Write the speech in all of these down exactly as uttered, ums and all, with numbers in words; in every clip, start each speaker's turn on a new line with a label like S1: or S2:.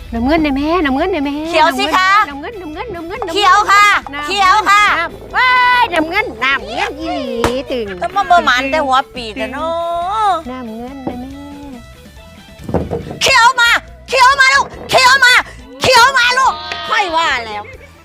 S1: น้ำเงินได้แม่น้ำเงินได้แม่
S2: เขียวสิคะ
S1: น้ำเงินน้ำเงินน้ำเงิน
S2: เขียวค่ะเขียวค่ะ
S1: ว้ายน้ำเงินน้ำเงินอีหลีตึง
S2: ต้องมาเบอร์หมันแต่หัวปีแต่เนาะ
S1: น้ำเงินได้แม่
S2: เขียวมาเขียวมาลูกเขียวมาเขียวมาลูกค่อยว่าแล้ว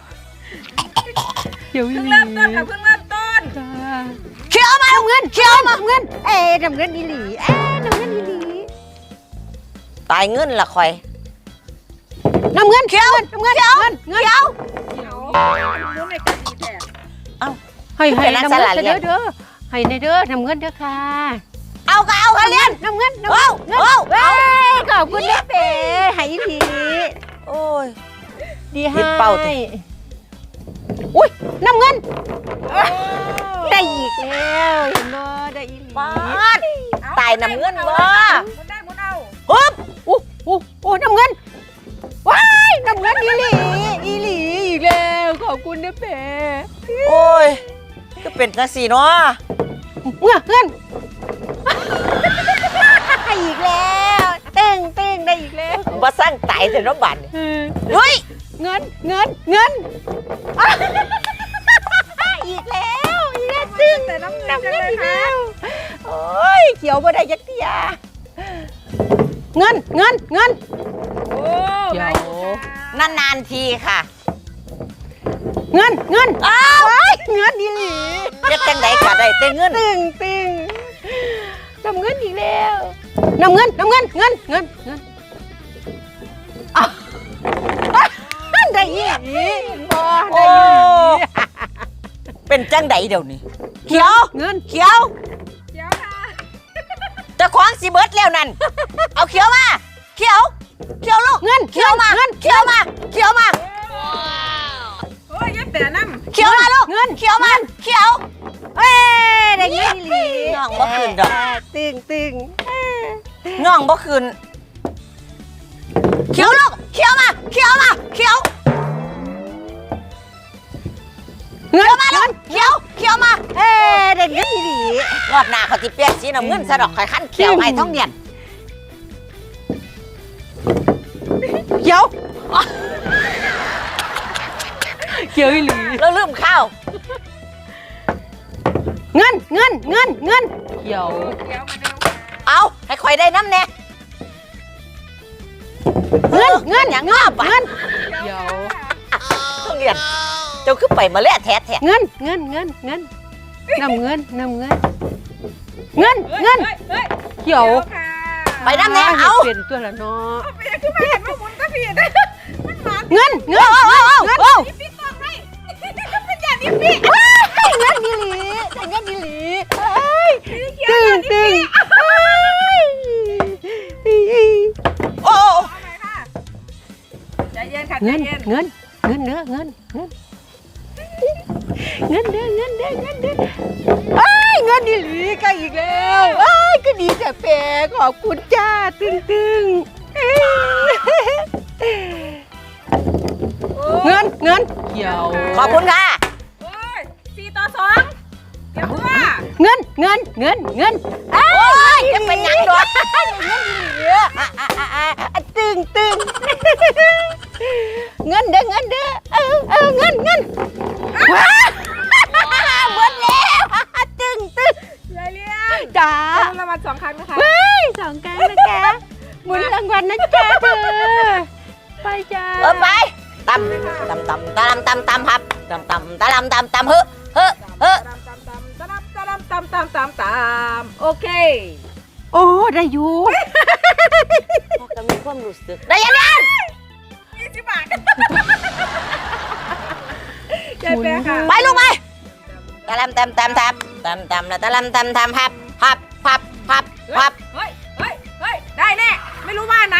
S1: เดี๋ยว
S3: เพิ่งเริ่มต้นค่ะเพิ่งเริ่มต้น
S2: เขียวมาลูกเงินเขียวมา
S1: น้ำเงินเอ๊ะน้ำเงินอีหลีเอ๊ะน้ำเงินอีหลี
S2: ตายเงินละค่อย
S1: น้ำเงิน
S2: เขียว
S1: น้ำเงิน
S2: เขียว
S1: เงิน
S2: เขียว
S3: เดี๋ยวรู้ในการกินแดด
S2: เอ้า
S1: ให้ให้
S2: เป็นนัก
S1: น้ำ
S2: ส
S1: เงิ
S2: ลัด
S1: น
S2: เรียน
S1: เด้อเด้อให้ในเด้อน้ำเงินเด้อค่ะ
S2: เอาก็เอาค่ะเรียน
S1: น้ำเงินน้ำ
S2: เอา
S1: เงิน
S2: เอา
S1: เว้
S2: เอา
S1: ยขอบคุณนะเป๋ให้อีหลี
S2: โอ้ย
S1: ดี
S2: เห็
S1: ให้
S2: นเป้าติ
S1: อุ้ยน้ำเงินได้อีกแล้วเห็นบ่ได้อีหลี
S2: บ้านตายน้ำเงินบ่
S3: หมุนได้หมุนเอา
S2: ฮึบ
S1: อู้อู้อู้น้ำเงินว้ายน้ำเงินอีหลีอีหลีอีกแล้วขอบคุณนะเป๋
S2: โอ้ยก็เป็นจังซี่เนาะ
S1: เงินเงินอีกแล้วเต้งเต้งได้อีกแล้ว
S2: บ่สร้างตายแต่เนาะบัด
S1: เออ
S2: เฮ้ย
S1: เงินเงินเงินอ่ะอีกแล้วอีกแล้วตึ้ง
S3: แต่น้ำเงิน
S1: น้ำ
S3: จัง
S1: เงิน
S3: เลย
S1: อีก
S3: ค่ะ
S1: แล้วโอ้ยเขียวบ่ได้ยักเทียเงินเงินเงิน
S3: โอ้
S1: เดี๋ยว
S3: ได้อยู่ค่ะ
S2: นานๆทีค่ะ
S1: เงินเงิน
S2: อ้าว
S1: ว้ายเงินดีหลี
S2: เฮ็ดจังไดก็ได้แต่เงิน
S1: ตึงตึงน้ำเงินอีกแล้วน้ำเงินน้ำเงินเงินเงินเงินอ่ะอ่ะได้อีกบ่ได้อีก
S2: เป็นจังไดเดี๋ยวนี้เขียว
S1: เงิน
S2: เขียว
S3: เดี๋ยวค่ะ
S2: เจะคว้าของสิเบิดแล้วนั่นเอาเขียวมาเขียวเขียวลูก
S1: เงิน
S2: เขียวมา
S1: เงิน
S2: เขียวมาเขียวมา
S3: โอ้ยยัดแต่น้ำ
S2: เขียวมาลูก
S1: เงิน
S2: เขียวมาเขียว
S1: เอ้ยได้เงินอีหลี
S2: น้องบ่คืนดอก
S1: ตึงตึง
S2: น้องบ่คืนเขียวลูกเขียวมาเขียวมาเขียว
S1: เงิ
S2: เขียวน มาลูกเขียวเขียวมา
S1: เอ้ยได้เงินอีหลี
S2: รอบหน้าเขาสิเปลี่ยนสีน้ำเงินซะดอกข่อยคันเขียวให้ท้องเนียน
S1: เขียวเขียวอีหลี
S2: แล้วลืมข้าว
S1: เงินเงินเงินเงินเขียว
S3: เดี๋ยวมาเร็วค่ะ
S2: เอาให้ข่อยได้น้ำแน่
S1: เงินเงิน
S2: อย่าง
S1: เงิ
S2: งาน บ
S1: เงินเขียว
S2: ท้องเนียนเจ้าคือไปมาแล้วแท้แท้
S1: เงินเงินเงินเงินน้ำเงินน้ำเงินเงิน
S3: เฮ้ย
S1: เงิน
S3: เฮ้ยเฮ้ย
S1: เขียว
S3: ค่ะ
S2: ไปน้ำแน่เอา
S1: เปลี่ยนตัวละเนาะ
S3: ไปยังคือมาเห็นว่าหมุนก็ผิดมันหมา
S1: เงินเงิน
S2: เอาเอาเอาเอา
S3: พี่พี่ต้องให้มันอย่างนี้พี่
S1: เงินอีหลีได้เงินอีหลีเอ้ยตึงตึงเอ้ย
S2: โอ้
S3: เอาใหม่ค่ะใจเย็นค่ะใจ
S1: เงิน
S3: เย็น
S1: เงินเงินเด้อเงินเงินเงินเด้อเงินเด้อเงินเด้อเอ้ยเงินอีหลีก็อีกแล้วเอ้ยก็ดีแต่แปลขอบคุณจ้าตึงตึงเอ้ยเงินเงินเขียว
S2: ขอบคุณค่ะ
S3: โอ้ยสี่ต่อสองเดี๋ยวว่า
S1: เงินเงินเงินเงิน
S2: โอ้ยจะเป็นหยังดอก
S1: อ่ะอ่ะอ่ะอ่ะอ่ะตึงตึงเงินเด้อเงินเด้อเออเออเงินเงินว้าหมดแล้วตึงตึง
S3: ยายเลี้ยง
S1: จ้า
S3: ได้รางวัลสองครั้งนะคะ
S1: เฮ้ยสองครั้งนะจ๊ะหมุนรางวัลนะจ๊ะเธอไปจ้า
S2: เออไปตำตำตำตำตำตำครับตำตำตำตำตำเฮ้อเฮ้อเฮ้อ
S3: ตามตามตามตามตามตามตามตามตามโอเค
S1: โอ้ได้อยู่
S2: จะมีความรู้สึกได้ยังไง
S3: ยี่สิบบาทยายแปะค่ะ
S2: ไปลูกไปตะลำตำตำทับตำตำแล้วตะลำตำทำพับพับพับพับพับ
S3: เฮ้ยเฮ้ยเฮ้ยได้แน่ไม่รู้ว่าไหน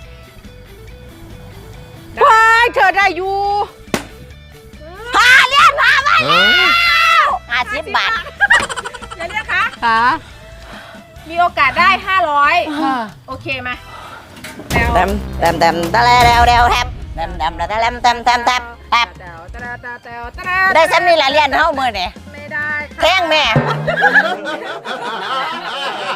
S1: ว้ายเธอได้อยู่
S2: พาเลี้ยงพามาแล้วห้าสิบบาท
S3: ยายเลี้ยงคะ
S1: ค่ะ
S3: มีโอกาสได้ห้าร้อย
S1: ค่ะ
S3: โอเคไหมแล้ว
S2: ตำตำตำตะแล้วแล้วแล้วแทบตำตำแล้วตะลำตำตำทับแทบ
S3: แต๋วแต๋วแต๋วแต๋วแต๋ว
S2: ได้ซ้ำนี่ละเลี้ยงเท่ามือเนี่ย
S3: ไม่ได้ค่ะ
S2: แข้งแม่